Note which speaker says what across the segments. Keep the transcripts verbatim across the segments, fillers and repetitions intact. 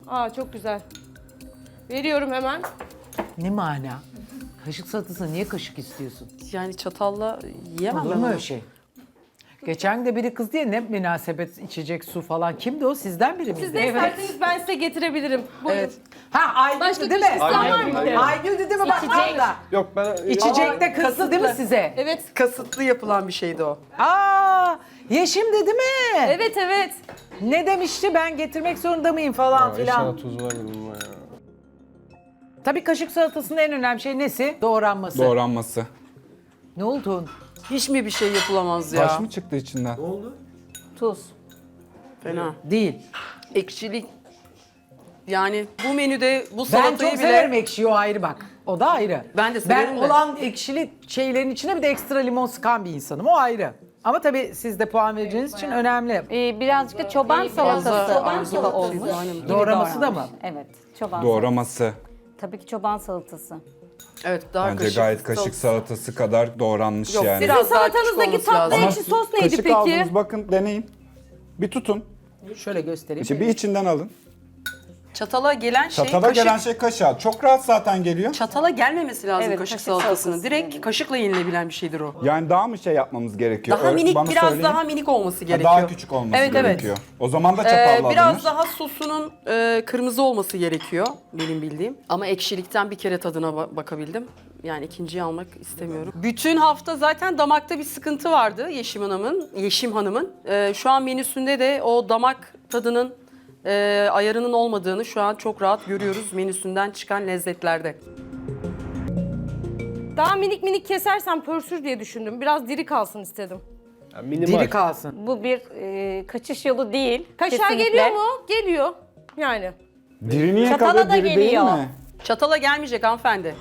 Speaker 1: Aa çok güzel. Veriyorum hemen.
Speaker 2: Ne mana? Kaşık salatasına niye kaşık istiyorsun?
Speaker 3: Yani çatalla yiyemem
Speaker 2: Olur
Speaker 3: ben
Speaker 2: mu
Speaker 3: onu.
Speaker 2: öyle şey? Geçen de biri kız diye ne münasebet içecek su falan. Kimdi o? Sizden biri miydi?
Speaker 1: Siz de isterseniz ben size getirebilirim. Buyurun.
Speaker 3: Evet.
Speaker 2: Ha Aygül'dü
Speaker 1: Başka
Speaker 2: değil
Speaker 1: bir
Speaker 2: mi?
Speaker 1: şey isteyen var mı?
Speaker 2: Aygül'dü değil mi? Bak abla.
Speaker 4: Yok ben...
Speaker 2: İçecekte kızdı değil mi size?
Speaker 1: Evet.
Speaker 3: Kasıtlı yapılan bir şeydi o.
Speaker 2: Aa, Yeşim dedi mi?
Speaker 1: Evet evet.
Speaker 2: Ne demişti ben getirmek zorunda mıyım falan
Speaker 4: Aa,
Speaker 2: filan.
Speaker 4: inşallah tuz var benim ya.
Speaker 2: Tabii kaşık salatasının en önemli şey nesi? Doğranması.
Speaker 5: Doğranması.
Speaker 2: Ne oldu?
Speaker 3: Hiç mi bir şey yapılamaz ya?
Speaker 5: Taş mı çıktı içinden?
Speaker 2: Tuz.
Speaker 3: Fena.
Speaker 2: Değil.
Speaker 3: Ekşilik. Yani bu menüde bu
Speaker 2: Ben
Speaker 3: salatayı
Speaker 2: çok
Speaker 3: bile...
Speaker 2: severim ekşiyi, o ayrı bak. O da ayrı.
Speaker 3: Ben de severim
Speaker 2: Ben
Speaker 3: de.
Speaker 2: olan ekşili şeylerin içine bir de ekstra limon sıkan bir insanım. O ayrı. Ama tabii siz de puan vereceğiniz için önemli.
Speaker 6: Ee, birazcık da çoban salatası
Speaker 3: Çoban
Speaker 6: gibi
Speaker 3: salatası
Speaker 6: olmuş.
Speaker 3: aynen.
Speaker 6: Gibi
Speaker 2: Doğraması da mı?
Speaker 6: doğranmış. Evet, çoban
Speaker 5: Doğraması.
Speaker 6: salatası. Tabii ki çoban salatası.
Speaker 3: Evet daha
Speaker 5: Bence
Speaker 3: kaşık.
Speaker 5: gayet kaşık salatası kadar doğranmış
Speaker 3: Yok,
Speaker 5: yani.
Speaker 3: biraz-
Speaker 1: Sizin
Speaker 3: daha küçük
Speaker 1: salatanızdaki
Speaker 3: olması
Speaker 1: tatlı
Speaker 3: lazım.
Speaker 1: ekşi sos neydi
Speaker 5: Kaşık
Speaker 1: peki?
Speaker 5: aldınız, bakın deneyin. Bir tutun.
Speaker 2: Şöyle göstereyim.
Speaker 5: İşte bir içinden alın.
Speaker 3: Çatala gelen şey
Speaker 5: Çatala
Speaker 3: kaşık.
Speaker 5: gelen şey kaşığa. Çok rahat zaten geliyor.
Speaker 3: Çatala gelmemesi lazım
Speaker 6: Evet,
Speaker 3: kaşık
Speaker 6: kaşık
Speaker 3: salatasının.
Speaker 6: salatası.
Speaker 3: Direkt kaşıkla yenilebilen bir şeydir o.
Speaker 5: Yani daha mı şey yapmamız gerekiyor?
Speaker 3: Daha
Speaker 5: Öyle-
Speaker 3: minik,
Speaker 5: bana
Speaker 3: biraz
Speaker 5: söyleyin.
Speaker 3: daha minik olması
Speaker 5: Ha,
Speaker 3: gerekiyor.
Speaker 5: daha küçük olması
Speaker 3: Evet, evet.
Speaker 5: gerekiyor. O zaman da
Speaker 3: Ee,
Speaker 5: çapalla
Speaker 3: biraz
Speaker 5: alınır.
Speaker 3: daha sosunun e, kırmızı olması gerekiyor benim bildiğim. Ama ekşilikten bir kere tadına ba- bakabildim. Yani ikinciyi almak istemiyorum. Bütün hafta zaten damakta bir sıkıntı vardı Yeşim Hanım'ın. Yeşim Hanım'ın. Ee, şu an menüsünde de o damak tadının e, ayarının olmadığını şu an çok rahat görüyoruz menüsünden çıkan lezzetlerde.
Speaker 1: Daha minik minik kesersem pörsür diye düşündüm. Biraz diri kalsın istedim.
Speaker 4: Yani minimal.
Speaker 2: Diri kalsın.
Speaker 6: Bu bir e, kaçış yolu değil.
Speaker 1: Kaşar
Speaker 6: kesinlikle.
Speaker 1: geliyor mu? Geliyor. Yani.
Speaker 5: Diri niye
Speaker 6: Çatala
Speaker 5: kalıyor?
Speaker 6: da
Speaker 5: Diri değil
Speaker 6: geliyor.
Speaker 5: mi?
Speaker 3: Çatala gelmeyecek hanımefendi.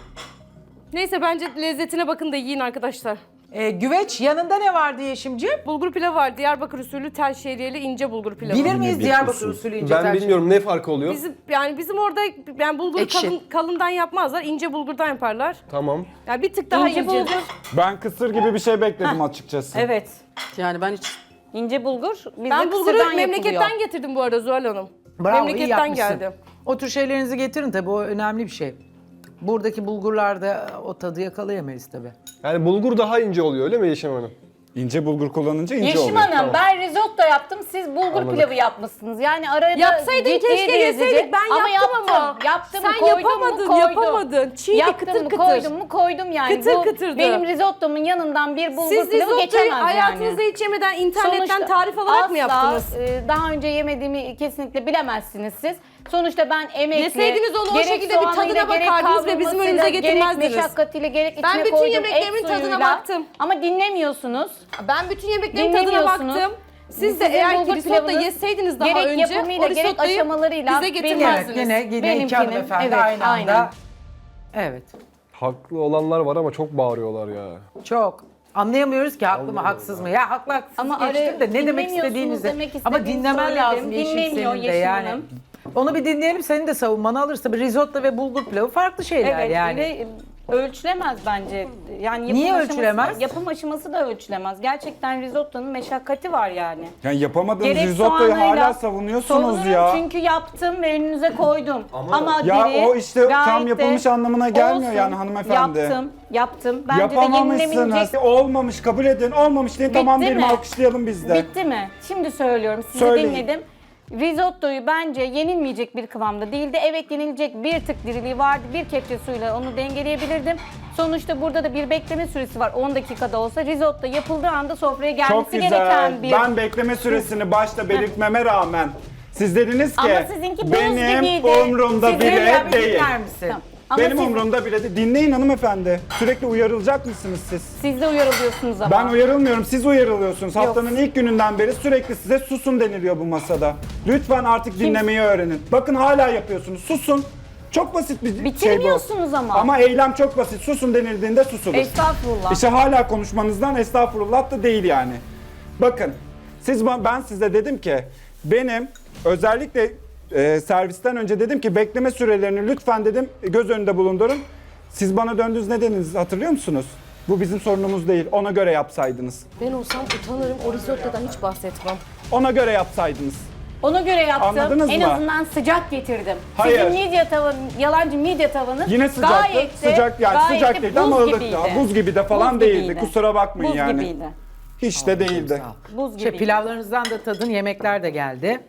Speaker 1: Neyse bence lezzetine bakın da yiyin arkadaşlar.
Speaker 2: Ee, güveç yanında ne vardı Yeşimciğim?
Speaker 1: Bulgur pilavı var. Diyarbakır usulü tel şehriyeli ince bulgur pilavı.
Speaker 2: Bilir miyiz
Speaker 5: bir
Speaker 2: Diyarbakır
Speaker 5: usul.
Speaker 2: usulü ince
Speaker 4: Ben
Speaker 2: tercih?
Speaker 4: bilmiyorum ne farkı oluyor.
Speaker 1: Bizim yani bizim orada yani bulgur
Speaker 3: Ekşi.
Speaker 1: kalın, kalından yapmazlar. İnce bulgurdan yaparlar.
Speaker 4: Tamam.
Speaker 1: Yani bir tık daha
Speaker 6: İnce
Speaker 1: ince.
Speaker 6: bulgur.
Speaker 5: Ben kısır gibi bir şey bekledim açıkçası.
Speaker 6: Evet.
Speaker 3: Yani ben hiç
Speaker 6: İnce bulgur bizde
Speaker 1: Ben bulguru
Speaker 6: kısırdan
Speaker 1: memleketten
Speaker 6: yapılıyor.
Speaker 1: getirdim bu arada Zuhal Hanım.
Speaker 2: Bravo, iyi
Speaker 1: memleketten
Speaker 2: yapmışsın.
Speaker 1: geldi.
Speaker 2: O tür şeylerinizi getirin tabii, o önemli bir şey. Buradaki bulgurlarda o tadı yakalayamayız tabii.
Speaker 4: Yani bulgur daha ince oluyor öyle mi Yeşim Hanım?
Speaker 5: İnce bulgur kullanınca ince
Speaker 6: Yeşim
Speaker 5: oluyor.
Speaker 6: Hanım ben risotto yaptım, siz bulgur
Speaker 4: Anladım.
Speaker 6: pilavı yapmışsınız. Yani araya da
Speaker 1: Yapsaydın
Speaker 6: ciddi
Speaker 1: keşke
Speaker 6: bir
Speaker 1: yeseydik.
Speaker 6: lezzet-
Speaker 1: Ben
Speaker 6: ama
Speaker 1: yaptım
Speaker 6: yaptım,
Speaker 1: ama.
Speaker 6: Yaptım,
Speaker 1: Sen
Speaker 6: koydum
Speaker 1: yapamadın,
Speaker 6: mu koydum.
Speaker 1: yapamadın. Çiğdi,
Speaker 6: Yaptım
Speaker 1: kıtır
Speaker 6: mı
Speaker 1: kıtır.
Speaker 6: koydum mu koydum yani.
Speaker 1: Kıtır
Speaker 6: Bu
Speaker 1: kıtırdı.
Speaker 6: benim risottomun yanından bir bulgur
Speaker 1: Siz
Speaker 6: pilavı
Speaker 1: risottoyu
Speaker 6: geçemez
Speaker 1: hayatınızda
Speaker 6: yani.
Speaker 1: hiç yemeden internetten
Speaker 6: Sonuçta
Speaker 1: tarif alarak
Speaker 6: asla,
Speaker 1: mı yaptınız?
Speaker 6: e, daha önce yemediğimi kesinlikle bilemezsiniz siz. Sonuçta ben emekli.
Speaker 1: Yeseydiniz onu o
Speaker 6: gerek
Speaker 1: şekilde bir
Speaker 6: soğanıyla,
Speaker 1: tadına
Speaker 6: gerek
Speaker 1: bakardınız ve bizim önümüze
Speaker 6: kavrulmasıyla,
Speaker 1: getirmezdiniz.
Speaker 6: Gerek meşakkatiyle gerek
Speaker 1: Ben
Speaker 6: içine
Speaker 1: bütün
Speaker 6: koyduğum
Speaker 1: yemeklerimin
Speaker 6: et
Speaker 1: tadına
Speaker 6: suyuyla.
Speaker 1: baktım.
Speaker 6: Ama dinlemiyorsunuz.
Speaker 1: Ben bütün yemeklerin tadına
Speaker 6: Dinlemiyorsunuz.
Speaker 1: baktım. Siz de
Speaker 6: Sizin
Speaker 1: eğer ki
Speaker 6: bulgur
Speaker 1: risotto
Speaker 6: pilavınız
Speaker 1: yeseydiniz daha
Speaker 6: gerek
Speaker 1: önce
Speaker 6: yapımıyla,
Speaker 1: o
Speaker 6: gerek
Speaker 1: risottoyu
Speaker 6: aşamalarıyla
Speaker 1: bize
Speaker 6: benim-
Speaker 1: getirmezdiniz.
Speaker 2: Yine, yine iki
Speaker 6: Benimkinin,
Speaker 2: hanımefendi
Speaker 6: evet,
Speaker 2: aynı anda.
Speaker 6: aynen.
Speaker 2: Evet.
Speaker 4: Haklı olanlar var ama çok bağırıyorlar ya.
Speaker 2: Çok. Anlayamıyoruz ki haklı mı haksız mı? Ya haklı haksız
Speaker 6: Ama
Speaker 2: geçtim
Speaker 6: araya
Speaker 2: de ne demek
Speaker 6: dinlemiyorsunuz
Speaker 2: istediğinizi.
Speaker 6: demek
Speaker 2: Ama
Speaker 6: istediğimi
Speaker 2: dinlemen
Speaker 6: söyledim.
Speaker 2: lazım Yeşim
Speaker 6: Dinlemiyor
Speaker 2: senin de
Speaker 6: Yeşim
Speaker 2: yani.
Speaker 6: Hanım.
Speaker 2: Onu bir dinleyelim, senin de savunmanı alırsa. Bir risotto ve bulgur pilavı farklı şeyler
Speaker 6: Evet
Speaker 2: yani.
Speaker 6: ve ölçülemez bence. Yani yapım
Speaker 2: Niye
Speaker 6: aşaması-
Speaker 2: ölçülemez?
Speaker 6: Yapım aşaması da ölçülemez. Gerçekten risottonun meşakkati var yani.
Speaker 5: Yani yapamadığınız
Speaker 6: Gerek
Speaker 5: risottoyu
Speaker 6: soğanıyla
Speaker 5: hala savunuyorsunuz
Speaker 6: savunurum
Speaker 5: ya.
Speaker 6: çünkü yaptım ve önünüze koydum. Ama,
Speaker 5: Ya
Speaker 6: diri,
Speaker 5: o işte tam
Speaker 6: gayet de
Speaker 5: yapılmış anlamına gelmiyor
Speaker 6: olsun.
Speaker 5: yani hanımefendi.
Speaker 6: Yaptım, yaptım. Bence de
Speaker 5: Yapamamışsınız.
Speaker 6: yenilemeyecek.
Speaker 5: Olmamış, kabul edin. Olmamış diye tamam
Speaker 6: Bitti
Speaker 5: diyelim,
Speaker 6: mi?
Speaker 5: alkışlayalım biz de.
Speaker 6: Bitti mi? Şimdi söylüyorum, sizi
Speaker 5: Söyleyin.
Speaker 6: dinledim. Risottoyu bence yenilmeyecek bir kıvamda değildi. Evet yenilecek bir tık diriliği vardı. Bir kepçe suyla onu dengeleyebilirdim. Sonuçta burada da bir bekleme süresi var. on dakikada olsa risotto yapıldığı anda sofraya gelmesi
Speaker 5: Çok güzel.
Speaker 6: gereken bir...
Speaker 5: Ben bekleme süresini başta belirtmeme rağmen siz dediniz ki
Speaker 6: Ama sizinki buz
Speaker 5: benim
Speaker 6: gibiydi.
Speaker 5: umrumda
Speaker 6: Sizin
Speaker 5: bile
Speaker 2: Ya bir
Speaker 5: değil.
Speaker 2: dinler misin?
Speaker 6: Tamam. Ama
Speaker 5: Benim
Speaker 6: siz,
Speaker 5: umurumda bile değil. Dinleyin hanımefendi. Sürekli uyarılacak mısınız siz?
Speaker 6: siz de uyarılıyorsunuz ama.
Speaker 5: Ben uyarılmıyorum, siz uyarılıyorsunuz. Haftanın ilk gününden beri sürekli size susun deniliyor bu masada. Lütfen artık dinlemeyi öğrenin. Bakın hala yapıyorsunuz. Susun. Çok basit bir şey bu.
Speaker 6: Bitirmiyorsunuz ama.
Speaker 5: Ama eylem çok basit. Susun denildiğinde susulur.
Speaker 6: Estağfurullah.
Speaker 5: İşte hala konuşmanızdan estağfurullah da değil yani. Bakın, siz ben size dedim ki benim özellikle e, servisten önce dedim ki bekleme sürelerini lütfen dedim göz önünde bulundurun. Siz bana döndünüz, ne dediniz hatırlıyor musunuz? Bu bizim sorunumuz değil. Ona göre yapsaydınız.
Speaker 1: Ben olsam utanırım, o risottodan hiç bahsetmem.
Speaker 5: Ona göre yapsaydınız.
Speaker 6: Ona göre yaptım.
Speaker 5: Anladınız
Speaker 6: en
Speaker 5: mı?
Speaker 6: azından sıcak getirdim.
Speaker 5: Hayır.
Speaker 6: Sizin midye tavanı, yalancı midye tavanız
Speaker 5: Yine sıcaktı.
Speaker 6: gayet de,
Speaker 5: Sıcak yani
Speaker 6: gayet
Speaker 5: sıcak
Speaker 6: de
Speaker 5: değildi
Speaker 6: buz
Speaker 5: ama ılıktı.
Speaker 6: gibiydi.
Speaker 5: Buz gibi de falan
Speaker 6: Buz
Speaker 5: değildi.
Speaker 6: gibiydi.
Speaker 5: Kusura bakmayın
Speaker 6: Buz
Speaker 5: yani.
Speaker 6: gibiydi.
Speaker 5: Hiç de değildi.
Speaker 6: Buz
Speaker 2: Şey,
Speaker 6: gibiydi.
Speaker 2: pilavlarınızdan da tadın, yemekler de geldi.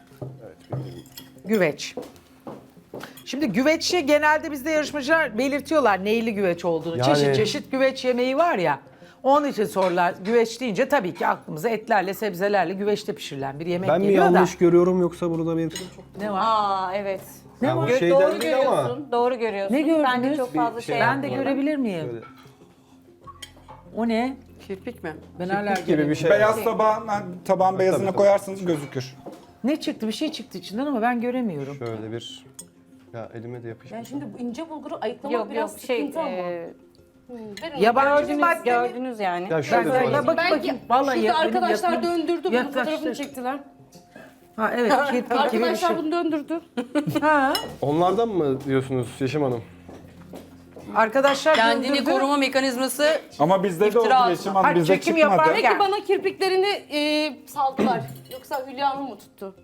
Speaker 2: Güveç. Şimdi güveçi genelde bizde yarışmacılar belirtiyorlar neyli güveç olduğunu.
Speaker 4: Yani-
Speaker 2: Çeşit çeşit güveç yemeği var ya. Onun için sorular güveç deyince tabii ki aklımıza etlerle, sebzelerle güveçte pişirilen bir yemek
Speaker 4: Ben mi
Speaker 2: geliyor
Speaker 4: yanlış
Speaker 2: da.
Speaker 4: görüyorum yoksa burada bir...
Speaker 2: Ne var?
Speaker 6: Aa evet.
Speaker 4: Ne var?
Speaker 6: Gö-
Speaker 4: Şeyden
Speaker 6: doğru
Speaker 4: değil ama-
Speaker 6: görüyorsun. Doğru görüyorsun.
Speaker 2: Ne gördünüz?
Speaker 6: Ben de çok fazla
Speaker 4: Bir
Speaker 6: şey,
Speaker 4: şey-
Speaker 2: Ben de
Speaker 6: yapmadım.
Speaker 2: görebilir miyim?
Speaker 4: Böyle
Speaker 2: O ne?
Speaker 3: Kirpik mi?
Speaker 2: Ben hala
Speaker 4: gibi bir şey.
Speaker 5: Beyaz tabağın, tabağın beyazına
Speaker 4: tabii.
Speaker 5: koyarsanız gözükür.
Speaker 2: Ne çıktı? Bir şey çıktı içinden ama ben göremiyorum.
Speaker 4: Şöyle bir... Ya elime de yapışmış.
Speaker 1: Yani şimdi bu ince bulguru ayıklamak
Speaker 6: Yok
Speaker 1: biraz
Speaker 6: yok şey
Speaker 1: sıkıntı ama.
Speaker 6: e,
Speaker 1: Verin
Speaker 2: Yabancı
Speaker 6: gördünüz,
Speaker 2: madde mi?
Speaker 6: gördünüz yani.
Speaker 4: Ya
Speaker 2: Ben
Speaker 4: şöyle
Speaker 2: böyle
Speaker 4: söyleyeyim.
Speaker 2: bak
Speaker 1: Belki
Speaker 2: bakayım. Vallahi
Speaker 1: şurada
Speaker 2: ya- benim
Speaker 1: arkadaşlar
Speaker 2: yakın-
Speaker 1: döndürdü bunu,
Speaker 2: yaklaştı.
Speaker 1: fotoğrafını çektiler.
Speaker 2: Ha evet, kirpik gibi bir
Speaker 1: Arkadaşlar
Speaker 2: şey.
Speaker 1: bunu döndürdü.
Speaker 2: Ha.
Speaker 4: Onlardan mı diyorsunuz Yeşim Hanım?
Speaker 2: Arkadaşlar
Speaker 3: Kendini
Speaker 2: döndürdü.
Speaker 3: koruma mekanizması
Speaker 5: Ama bizde de oldu
Speaker 3: İftira
Speaker 5: Yeşim
Speaker 2: atma.
Speaker 5: Hanım, bizde
Speaker 2: Ha, çekim
Speaker 5: çıkmadı.
Speaker 2: yapar-
Speaker 1: Belki
Speaker 2: Gel.
Speaker 1: bana kirpiklerini e, saldılar. Yoksa Hülya'nın mı tuttu?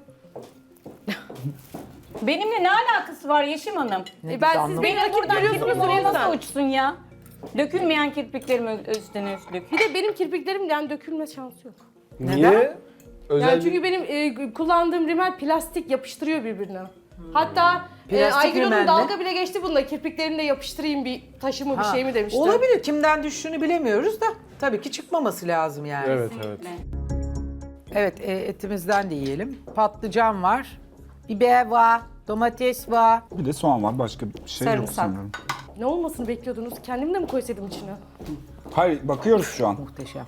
Speaker 6: Benimle ne alakası var Yeşim Hanım?
Speaker 1: E, ben siz beni
Speaker 6: Benim
Speaker 1: rakip
Speaker 6: buradan
Speaker 1: görüyorsunuz
Speaker 6: kirpik oraya
Speaker 1: oraya
Speaker 6: nasıl uçsun ya? Dökülmeyen kirpiklerim ö- üstüne üstlük.
Speaker 1: Bir de benim kirpiklerimden dökülme şansı yok.
Speaker 4: Niye? Özel
Speaker 1: Yani çünkü benim e, kullandığım rimel plastik yapıştırıyor birbirine. Hatta e,
Speaker 2: Plastik
Speaker 1: Aygül
Speaker 2: rimel
Speaker 1: Hanım
Speaker 2: mi?
Speaker 1: dalga bile geçti bununla. Kirpiklerimle yapıştırayım bir taşımı bir
Speaker 2: Ha,
Speaker 1: şey mi demişti.
Speaker 2: Olabilir. Kimden düştüğünü bilemiyoruz da tabii ki çıkmaması lazım yani.
Speaker 4: Evet evet.
Speaker 2: Evet, e, etimizden de yiyelim. Patlıcan var, biber var, domates var.
Speaker 5: Bir de soğan var, başka bir şey yok
Speaker 6: Sarımsak.
Speaker 5: sanırım.
Speaker 1: Ne olmasını bekliyordunuz? Kendim de mi koysaydım içine?
Speaker 5: Hayır, bakıyoruz şu an.
Speaker 2: Muhteşem.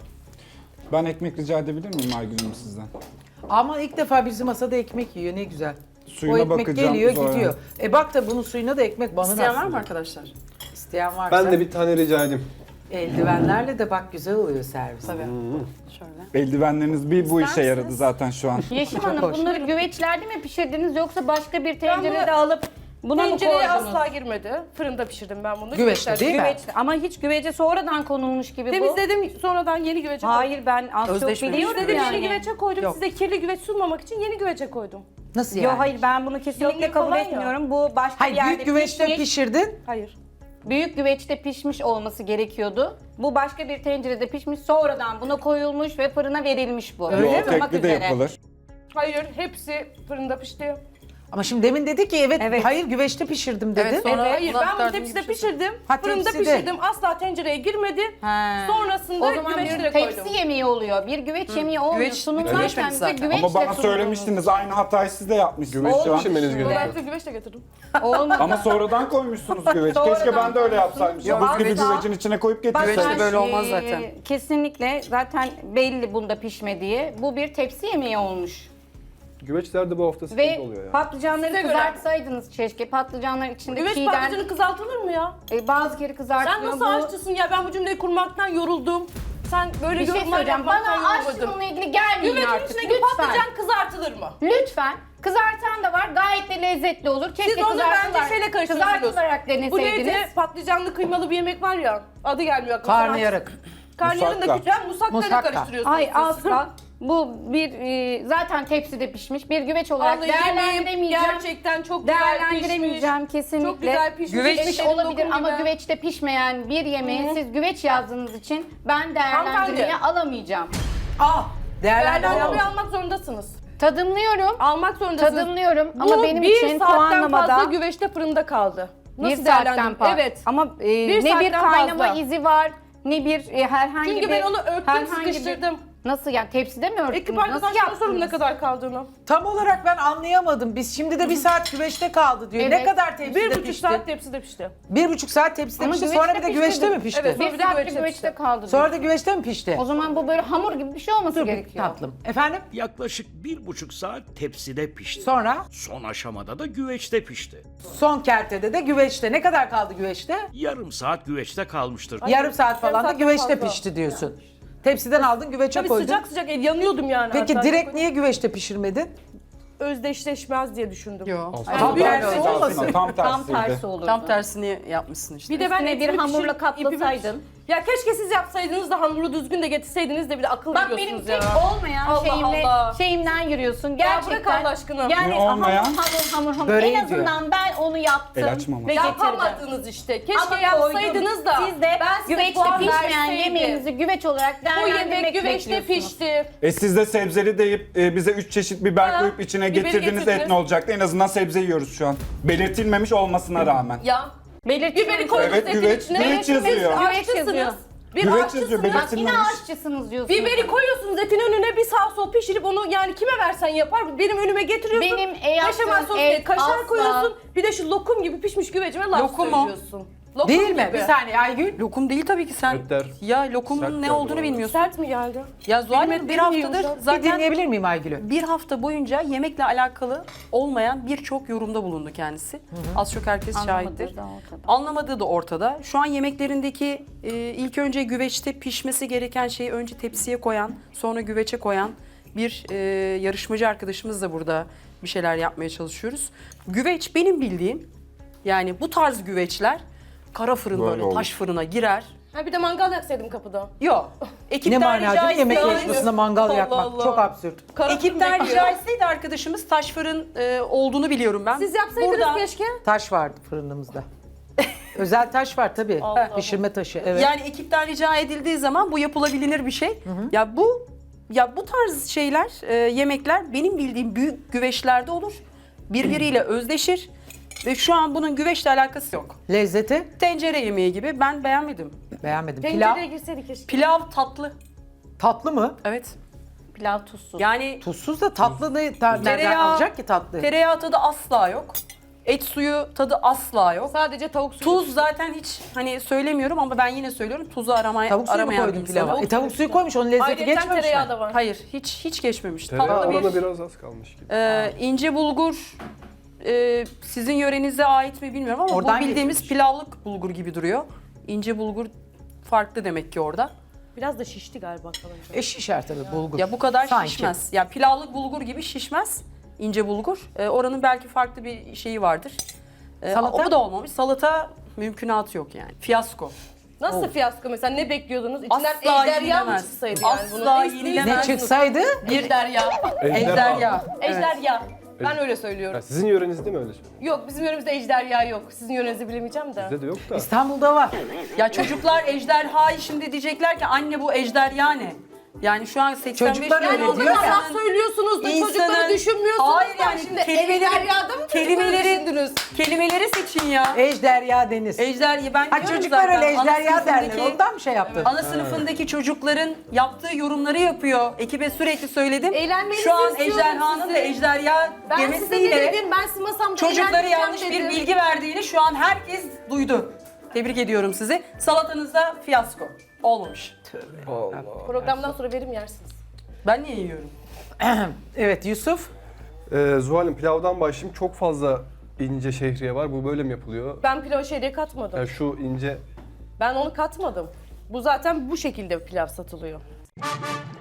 Speaker 5: Ben ekmek rica edebilir miyim Aygül Hanım sizden?
Speaker 2: Ama ilk defa bizim masada ekmek yiyor, ne güzel.
Speaker 5: Suyuna
Speaker 2: o ekmek
Speaker 5: bakacağım
Speaker 2: geliyor,
Speaker 5: sonra.
Speaker 2: gidiyor. E bak da bunun suyuna da ekmek banın
Speaker 3: isteyen var
Speaker 2: aslında.
Speaker 3: mı arkadaşlar?
Speaker 2: İsteyen varsa.
Speaker 4: Ben de bir tane rica edeyim.
Speaker 2: Eldivenlerle de bak güzel oluyor servis.
Speaker 3: Tabii. Şöyle.
Speaker 5: Eldivenleriniz bir bu işe yaradı zaten şu an.
Speaker 6: Yeşim
Speaker 2: Çok
Speaker 6: Hanım
Speaker 2: hoş.
Speaker 6: bunları güveçlerde mi pişirdiniz yoksa başka bir tencerede alıp buna mı
Speaker 1: Tencereye
Speaker 6: koydunuz?
Speaker 1: asla girmedi. Fırında pişirdim ben bunu.
Speaker 2: Güveçte
Speaker 1: Güveçler-
Speaker 2: değil mi?
Speaker 6: Güveç, ama hiç güvece sonradan konulmuş gibi bu.
Speaker 1: Temizledim sonradan yeni güvece koydum.
Speaker 6: Hayır ben az çok
Speaker 3: Özdeşmemiş.
Speaker 6: biliyorum
Speaker 1: Temizledim
Speaker 6: yani.
Speaker 1: yeni güvece koydum.
Speaker 2: Yok.
Speaker 1: Size kirli güveç sunmamak için yeni güvece koydum.
Speaker 2: Nasıl yani?
Speaker 6: Yok hayır ben bunu kesinlikle
Speaker 1: Yanıyor
Speaker 6: kabul
Speaker 1: falan ya.
Speaker 6: etmiyorum. Bu başka
Speaker 2: Hayır,
Speaker 6: bir yerde
Speaker 2: büyük güveçte
Speaker 6: pişmiş.
Speaker 2: pişirdin.
Speaker 1: Hayır.
Speaker 6: Büyük güveçte pişmiş olması gerekiyordu. Bu başka bir tencerede pişmiş, sonradan buna koyulmuş ve fırına verilmiş bu.
Speaker 2: Öyle mi?
Speaker 6: Isıtmak
Speaker 5: Tekli de
Speaker 6: üzere.
Speaker 5: yapılır.
Speaker 1: Hayır, hepsi fırında pişti.
Speaker 2: Ama şimdi demin dedi ki evet,
Speaker 6: Evet.
Speaker 2: hayır güveçte pişirdim dedi.
Speaker 3: Evet, sonra-
Speaker 1: Hayır,
Speaker 3: Ulan
Speaker 1: ben bunu
Speaker 3: derdimi
Speaker 1: tepside
Speaker 3: geçiyorsun.
Speaker 1: pişirdim.
Speaker 2: Ha,
Speaker 1: Fırında
Speaker 2: tepside.
Speaker 1: pişirdim. Asla tencereye girmedi.
Speaker 6: He.
Speaker 1: Sonrasında
Speaker 6: O zaman
Speaker 1: güveçlere
Speaker 6: bir
Speaker 1: koydum.
Speaker 6: tepsi yemeği oluyor. Bir güveç yemeği olmuyor.
Speaker 3: Güveç-
Speaker 6: Sunumlarken
Speaker 3: güveçmedi
Speaker 6: bize
Speaker 3: zaten.
Speaker 6: güveçle
Speaker 5: Ama bana
Speaker 6: sunulmuş.
Speaker 5: söylemiştiniz, aynı hatayı siz de yapmışsınız
Speaker 4: Güveç
Speaker 5: şu an.
Speaker 4: pişirmeniz
Speaker 1: Ben
Speaker 4: gerekiyor.
Speaker 1: size güveç de getirdim.
Speaker 6: Olmadı.
Speaker 5: Ama sonradan koymuşsunuz güveç.
Speaker 6: Sonradan
Speaker 5: Keşke ben de öyle yapsaymışım.
Speaker 6: Yok,
Speaker 5: Buz gibi
Speaker 6: asla.
Speaker 5: güvecin içine koyup
Speaker 6: Bak,
Speaker 5: getirseydim.
Speaker 3: Güveçte böyle olmaz
Speaker 6: e,
Speaker 3: zaten.
Speaker 6: Kesinlikle zaten belli bunda pişmediği. Bu bir tepsi yemeği olmuş.
Speaker 4: Güveçlerde bu hafta sıkıntı
Speaker 6: Ve
Speaker 4: oluyor ya.
Speaker 6: patlıcanları
Speaker 1: Size göre.
Speaker 6: kızartsaydınız keşke. Patlıcanlar içinde
Speaker 1: Güveç
Speaker 6: çiğden
Speaker 1: patlıcanı kızartılır mı ya?
Speaker 6: e, bazı kere kızartılıyor.
Speaker 1: Sen nasıl
Speaker 6: Bu-
Speaker 1: aşçısın ya? Ben bu cümleyi kurmaktan yoruldum. Sen böyle
Speaker 6: Bir şey
Speaker 1: yorumlar
Speaker 6: söyleyeceğim.
Speaker 1: yapmaktan
Speaker 6: Bana
Speaker 1: yorulmadın.
Speaker 6: aşçılığına ilgili gelmeyin
Speaker 1: Güvecin
Speaker 6: artık.
Speaker 1: içindeki
Speaker 6: Lütfen.
Speaker 1: patlıcan kızartılır mı?
Speaker 6: Lütfen. Kızartan da var. Gayet de lezzetli olur. Keşke
Speaker 1: Siz onu
Speaker 6: kızartılarak,
Speaker 1: bence şeyle karıştırıyorsunuz.
Speaker 6: kızartılarak
Speaker 1: Bu
Speaker 6: deneseydiniz.
Speaker 1: neydi? Patlıcanlı kıymalı bir yemek var ya. Adı gelmiyor aklıma.
Speaker 2: Karnıyarık.
Speaker 1: Karnıyarın da
Speaker 5: Musakka.
Speaker 1: küçük. Ben musakkayla
Speaker 2: Musakka.
Speaker 1: karıştırıyorsunuz.
Speaker 6: Ay
Speaker 1: siz.
Speaker 6: asla. Bu bir e, zaten tepside pişmiş bir güveç olarak
Speaker 1: Vallahi yemeğim
Speaker 6: değerlendiremeyeceğim.
Speaker 1: gerçekten çok güzel pişmiş.
Speaker 6: Değerlendiremeyeceğim kesinlikle.
Speaker 1: Çok güzel pişmiş.
Speaker 3: Güveç
Speaker 6: Pişmiş
Speaker 1: Eşlerin
Speaker 6: olabilir
Speaker 1: lokum
Speaker 6: ama
Speaker 1: gibi.
Speaker 6: güveçte pişmeyen bir yemeği siz güveç yazdığınız için ben değerlendirmeye
Speaker 1: Hanımefendi.
Speaker 6: alamayacağım.
Speaker 2: Ah, değerlendirme.
Speaker 1: Değerlendirmeyi almak zorundasınız.
Speaker 6: Tadımlıyorum.
Speaker 1: Almak zorundasınız.
Speaker 6: Tadımlıyorum
Speaker 1: Bu
Speaker 6: ama benim
Speaker 1: bir
Speaker 6: için
Speaker 1: saatten
Speaker 6: puanlamada
Speaker 1: fazla güveçte fırında kaldı. Nasıl
Speaker 6: bir saatten
Speaker 1: değerlendirdin?
Speaker 6: fazla.
Speaker 1: Evet.
Speaker 6: Ama e,
Speaker 1: Bir
Speaker 6: ne bir
Speaker 1: saatten
Speaker 6: kaynama
Speaker 1: fazla.
Speaker 6: izi var ne bir e, herhangi
Speaker 1: Çünkü
Speaker 6: bir
Speaker 1: ben onu öptüm,
Speaker 6: herhangi bir-
Speaker 1: sıkıştırdım.
Speaker 6: Nasıl yani tepside mi örttünüz?
Speaker 1: Ekip
Speaker 6: Nasıl
Speaker 1: arkadaşlarına sorun ne
Speaker 6: yaptınız?
Speaker 1: kadar kaldığını.
Speaker 2: Tam olarak ben anlayamadım. Biz şimdi de bir saat güveçte kaldı diyor. Ne
Speaker 6: Evet.
Speaker 2: kadar tepside
Speaker 1: Bir buçuk
Speaker 2: pişti?
Speaker 1: saat tepside pişti.
Speaker 2: Bir buçuk saat tepside
Speaker 6: Ama
Speaker 2: pişti.
Speaker 6: güveçte
Speaker 2: Sonra bir de
Speaker 6: pişti
Speaker 2: güveçte
Speaker 6: dedim.
Speaker 2: mi pişti?
Speaker 1: Evet.
Speaker 6: Bir
Speaker 1: Bir de
Speaker 6: saat bir
Speaker 1: güveçte
Speaker 6: güveçte
Speaker 1: pişti.
Speaker 6: kaldı.
Speaker 2: Sonra da güveçte mi pişti?
Speaker 6: O zaman bu böyle hamur gibi bir şey olması
Speaker 2: Dur bir
Speaker 6: gerekiyor.
Speaker 2: tatlım. Efendim?
Speaker 7: Yaklaşık bir buçuk saat tepside pişti.
Speaker 2: Sonra
Speaker 7: Son aşamada da güveçte pişti.
Speaker 2: son kertede de güveçte. Ne kadar kaldı güveçte?
Speaker 7: Yarım saat güveçte kalmıştır.
Speaker 2: Yarım saat falan da
Speaker 1: saatten
Speaker 2: güveçte
Speaker 1: fazla.
Speaker 2: pişti diyorsun. Tepsiden aldın güveçe
Speaker 1: Tabii
Speaker 2: koydun.
Speaker 1: sıcak sıcak el yanıyordum yani.
Speaker 2: Peki
Speaker 1: hatta.
Speaker 2: direkt niye güveçte pişirmedin?
Speaker 1: özdeşleşmez diye düşündüm.
Speaker 3: Yok.
Speaker 2: Tam
Speaker 1: büyük
Speaker 2: tersi
Speaker 1: bir-
Speaker 2: olmasın.
Speaker 5: Tam
Speaker 6: Tam
Speaker 5: tersiydi.
Speaker 6: tersi olurdu.
Speaker 3: Tam tersini yapmışsın işte.
Speaker 1: Bir de ben
Speaker 6: Üstüne bir
Speaker 1: etimi
Speaker 6: hamurla
Speaker 1: pişirip-
Speaker 6: kaplasaydın.
Speaker 1: Ya keşke siz yapsaydınız da hamuru düzgün de getirseydiniz de bir de akıl
Speaker 6: Bak benim
Speaker 1: veriyorsunuz
Speaker 6: tek
Speaker 1: ya.
Speaker 6: olmayan
Speaker 1: Allah
Speaker 6: şeyimle,
Speaker 1: Allah.
Speaker 6: şeyimden yürüyorsun.
Speaker 1: Ya
Speaker 6: Gerçekten.
Speaker 1: bırak Allah aşkına.
Speaker 6: Yani
Speaker 5: Ne olmayan?
Speaker 6: hamur hamur hamur hamur.
Speaker 2: Böreği
Speaker 6: En azından ben onu yaptım
Speaker 5: El açmamak.
Speaker 6: ve getirdim.
Speaker 1: Yapamadınız işte. Keşke
Speaker 6: Ama
Speaker 1: yapsaydınız
Speaker 6: koydum.
Speaker 1: da.
Speaker 6: Siz de
Speaker 1: ben size
Speaker 6: güveçte
Speaker 1: puan
Speaker 6: pişmeyen
Speaker 1: verseydim.
Speaker 6: yemeğinizi güveç olarak
Speaker 1: Bu
Speaker 6: değerlendirmek
Speaker 1: yemek güveçte
Speaker 6: bekliyorsunuz.
Speaker 1: pişti.
Speaker 5: E siz de sebzeli deyip e, bize üç çeşit biber
Speaker 1: Ha,
Speaker 5: koyup içine
Speaker 1: biberi
Speaker 5: getirdiğiniz et
Speaker 1: getirdiniz.
Speaker 5: ne olacaktı? En azından sebze yiyoruz şu an. Belirtilmemiş olmasına rağmen.
Speaker 1: Ya.
Speaker 6: Belirtiyorum.
Speaker 1: Biberi koydunuz
Speaker 5: Evet,
Speaker 1: etin
Speaker 5: güveç-
Speaker 1: içine.
Speaker 5: güveç yazıyor.
Speaker 6: Güveç yazıyor.
Speaker 1: Aşçısınız. Bir
Speaker 5: Güveç
Speaker 1: aşçısınız.
Speaker 5: yazıyor,
Speaker 6: Bak yine
Speaker 5: belirtilmemiş.
Speaker 6: aşçısınız diyorsunuz.
Speaker 1: Biberi koyuyorsunuz etin önüne bir sağ sol pişirip onu yani kime versen yapar. Benim önüme getiriyorsun.
Speaker 6: Benim e yaptığım
Speaker 1: Beşamel sos
Speaker 6: et
Speaker 1: değil, kaşar
Speaker 6: asla-
Speaker 1: koyuyorsun. Bir de şu lokum gibi pişmiş güvecime laf
Speaker 3: Lokum mu?
Speaker 1: söylüyorsun. Lokum
Speaker 2: Değil mi?
Speaker 1: gibi.
Speaker 2: Bir saniye Aygül.
Speaker 3: Lokum değil tabii ki sen.
Speaker 4: Öter.
Speaker 3: Ya lokumun
Speaker 4: Sert
Speaker 3: ne
Speaker 4: geldi
Speaker 3: olduğunu
Speaker 4: bana.
Speaker 3: bilmiyorsun.
Speaker 1: Sert mi geldi?
Speaker 3: Ya Zuhal Hanım bir
Speaker 1: Bilmediğim
Speaker 3: haftadır
Speaker 1: yumuşak.
Speaker 2: Bir
Speaker 3: zaten
Speaker 2: dinleyebilir miyim Aygül'ü?
Speaker 3: bir hafta boyunca yemekle alakalı olmayan birçok yorumda bulundu kendisi. Az çok herkes
Speaker 6: Anlamadığı
Speaker 3: şahittir.
Speaker 6: da ortada.
Speaker 3: Anlamadığı da ortada. Şu an yemeklerindeki e, ilk önce güveçte pişmesi gereken şeyi önce tepsiye koyan, sonra güveçe koyan bir e, yarışmacı arkadaşımız da burada bir şeyler yapmaya çalışıyoruz. Güveç benim bildiğim, yani bu tarz güveçler kara fırın
Speaker 4: Böyle
Speaker 3: böyle
Speaker 4: olur.
Speaker 3: taş fırına girer.
Speaker 1: Ha bir de mangal yaksaydım kapıda.
Speaker 3: Yok.
Speaker 2: Ne
Speaker 3: Ekipten
Speaker 2: mana değil mi? Yemek
Speaker 3: etse-
Speaker 2: yarışmasında mangal
Speaker 1: Allah
Speaker 2: yakmak.
Speaker 1: Allah.
Speaker 2: Çok absürt.
Speaker 1: Kara
Speaker 3: Ekipten
Speaker 1: fırın
Speaker 3: rica
Speaker 1: bekliyor.
Speaker 3: etseydi arkadaşımız taş fırın e, olduğunu biliyorum ben.
Speaker 1: Siz yapsaydınız
Speaker 3: Burada-
Speaker 1: keşke.
Speaker 2: Taş vardı fırınımızda. Özel taş var tabii.
Speaker 1: Allah.
Speaker 2: Pişirme taşı. Evet.
Speaker 3: Yani ekipten rica edildiği zaman bu yapılabilir bir şey. Ya bu ya bu tarz şeyler, e, yemekler benim bildiğim büyük güveçlerde olur. Birbiriyle özdeşir ve şu an bunun güveçle alakası yok.
Speaker 2: Lezzeti
Speaker 3: Tencere yemeği gibi ben beğenmedim.
Speaker 2: beğenmedim. Pilav
Speaker 1: Tencereye girseydik keşke.
Speaker 3: Pilav tatlı.
Speaker 2: tatlı mı?
Speaker 3: Evet.
Speaker 6: Pilav tuzsuz.
Speaker 3: Yani
Speaker 2: Tuzsuz da tatlı ne? Ta- Nereden
Speaker 3: Tereyağı-
Speaker 2: alacak ki tatlı?
Speaker 3: tereyağı tadı asla yok. Et suyu tadı asla yok.
Speaker 1: Sadece tavuk suyu.
Speaker 3: Tuz zaten hiç hani söylemiyorum ama ben yine söylüyorum. Tuzu aramaya
Speaker 2: Tavuk suyu mu
Speaker 3: aramayan
Speaker 2: koydun
Speaker 3: bir
Speaker 2: pilava?
Speaker 3: insanım.
Speaker 2: E, tavuk suyu koymuş onun lezzeti
Speaker 1: Ayrıca
Speaker 2: geçmemiş
Speaker 1: tereyağı
Speaker 2: mi?
Speaker 1: da var.
Speaker 3: Hayır, hiç hiç geçmemiş.
Speaker 4: Tereyağı
Speaker 3: Tatlı bir
Speaker 4: orada biraz az kalmış gibi.
Speaker 3: Ee, ince bulgur e, sizin yörenize ait mi bilmiyorum ama
Speaker 2: Oradan
Speaker 3: bu bildiğimiz
Speaker 2: getirmiş.
Speaker 3: pilavlık bulgur gibi duruyor. İnce bulgur farklı demek ki orada.
Speaker 1: Biraz da şişti galiba kalınca.
Speaker 2: E şişer tabii bulgur.
Speaker 3: Ya bu kadar
Speaker 2: Sanki.
Speaker 3: şişmez. Ya pilavlık bulgur gibi şişmez. İnce bulgur. Ee, oranın belki farklı bir şeyi vardır. Ee,
Speaker 2: Salata?
Speaker 3: O da olmamış. Salata mümkünatı yok yani. Fiyasko.
Speaker 1: Nasıl fiyasko mesela ne bekliyordunuz? İçinden
Speaker 3: Asla
Speaker 1: ejderha mı
Speaker 3: yenilemez.
Speaker 1: çıksaydı yani
Speaker 3: Asla
Speaker 1: bunu? Ne
Speaker 3: yenilemez.
Speaker 2: Ne
Speaker 1: istiyorsunuz?
Speaker 2: çıksaydı?
Speaker 3: Bir
Speaker 1: Ejderha.
Speaker 3: ejderha. Evet.
Speaker 1: Ejderha. Ben öyle söylüyorum.
Speaker 4: Ya sizin yörenizde mi öyle söylüyor?
Speaker 1: Yok bizim yöremizde ejderha yok. Sizin yörenizi bilemeyeceğim de.
Speaker 4: Bizde de yok da.
Speaker 2: İstanbul'da var.
Speaker 3: Ya çocuklar ejderhayı şimdi diyecekler ki anne bu ejderha ne? Yani şu an seksen beş
Speaker 2: Çocuklar öyle
Speaker 3: milyon
Speaker 2: diyor ya.
Speaker 1: Allah
Speaker 3: insanın-
Speaker 1: söylüyorsunuz da
Speaker 3: İnsanın-
Speaker 1: çocukları düşünmüyorsunuz
Speaker 3: Hayır
Speaker 1: da
Speaker 3: yani
Speaker 1: şimdi
Speaker 3: kelimeleri-
Speaker 1: ejderhada mı
Speaker 3: kelimeleri-
Speaker 1: düşündünüz?
Speaker 3: Kelimeleri seçin ya.
Speaker 2: Ejderha deniz.
Speaker 3: Ejderha ben
Speaker 2: Ha
Speaker 3: diyorum
Speaker 2: çocuklar
Speaker 3: zaten,
Speaker 2: öyle
Speaker 3: ana
Speaker 2: ejderha derler.
Speaker 3: sınıfındaki-
Speaker 2: Ondan mı şey yaptın?
Speaker 3: Ana sınıfındaki çocukların yaptığı yorumları yapıyor. Ekibe sürekli söyledim.
Speaker 1: Eğlenmenizi
Speaker 3: Şu an
Speaker 1: istiyorum
Speaker 3: ejderhanın
Speaker 1: sizi.
Speaker 3: da ejderha
Speaker 1: Ben size ne
Speaker 3: demesiyle
Speaker 1: dedim? Ben sizin masamda
Speaker 3: çocuklara
Speaker 1: eğlendireceğim
Speaker 3: yanlış bir
Speaker 1: dedim.
Speaker 3: bilgi verdiğini şu an herkes duydu. Tebrik ediyorum sizi. Salatanızda fiyasko. Olmamış.
Speaker 1: Programdan sonra verim yersiniz.
Speaker 3: Ben niye yiyorum?
Speaker 2: Evet Yusuf.
Speaker 4: Ee, Zuhal'im pilavdan başlayayım. Çok fazla ince şehriye var. Bu böyle mi yapılıyor?
Speaker 1: Ben pilav şeyleri katmadım.
Speaker 4: Yani şu ince
Speaker 1: Ben onu katmadım. Bu zaten bu şekilde pilav satılıyor.